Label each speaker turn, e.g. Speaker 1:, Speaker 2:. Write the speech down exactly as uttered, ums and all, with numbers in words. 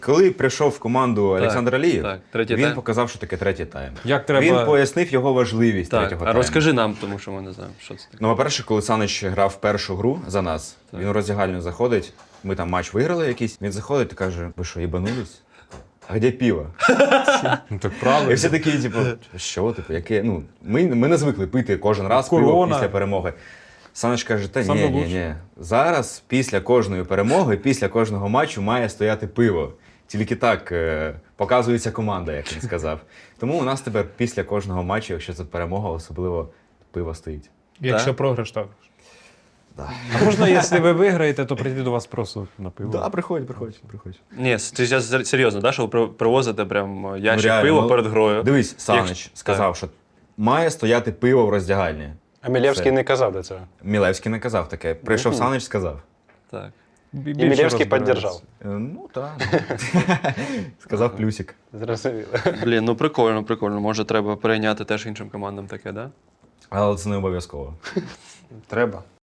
Speaker 1: Коли прийшов в команду Олександр Алієв,
Speaker 2: так, третій
Speaker 1: він
Speaker 2: тайм.
Speaker 1: показав, що таке третій тайм.
Speaker 3: Як треба...
Speaker 1: Він пояснив його важливість
Speaker 2: Так,
Speaker 1: третього
Speaker 2: а
Speaker 1: тайму.
Speaker 2: розкажи нам, тому що ми не знаємо, що це таке.
Speaker 1: Ну, по-перше, коли Санич грав першу гру за нас,
Speaker 2: Так.
Speaker 1: він у роздягальню заходить, ми там матч виграли якийсь, він заходить і каже, ви що, їбанулись? А де пиво?
Speaker 3: Ну, так
Speaker 1: І
Speaker 3: правильно.
Speaker 1: всі такі, типу, що, типу, яке, ну, ми, ми не звикли пити кожен раз
Speaker 3: Корона.
Speaker 1: пиво після перемоги. Санич каже, та
Speaker 3: Саме
Speaker 1: ні, ні,
Speaker 3: лучше.
Speaker 1: ні. Зараз, після кожної перемоги, після кожного матчу має стояти пиво. Тільки так е, показується команда, як він сказав. Тому у нас тепер після кожного матчу, якщо це перемога, особливо пиво стоїть.
Speaker 3: Якщо
Speaker 2: Так.
Speaker 3: програш, так.
Speaker 1: Да.
Speaker 3: А можна, якщо ви виграєте, то прийти до вас просто на пиво?
Speaker 1: Да, приходь, приходь, приходь.
Speaker 2: Ні, ти зараз серйозно, да, що ви при- привозите прям ящик
Speaker 1: реально,
Speaker 2: пива
Speaker 1: ну,
Speaker 2: перед грою?
Speaker 1: Дивись, Санич
Speaker 2: Якщо-
Speaker 1: сказав, що має стояти пиво в роздягальні.
Speaker 4: А Мілєвський
Speaker 1: Все.
Speaker 4: не казав до цього.
Speaker 1: Мілевський не казав таке. Прийшов Санич, сказав.
Speaker 2: Так.
Speaker 3: Бі-
Speaker 4: І
Speaker 3: більше
Speaker 4: Мілєвський
Speaker 3: розбирається.
Speaker 4: підтримав.
Speaker 1: Е, Ну, так. Сказав плюсик.
Speaker 4: Зрозуміло.
Speaker 2: Блін, ну прикольно, прикольно. Може, треба перейняти теж іншим командам таке, да?
Speaker 1: Але це не обов'язково.
Speaker 4: Треба.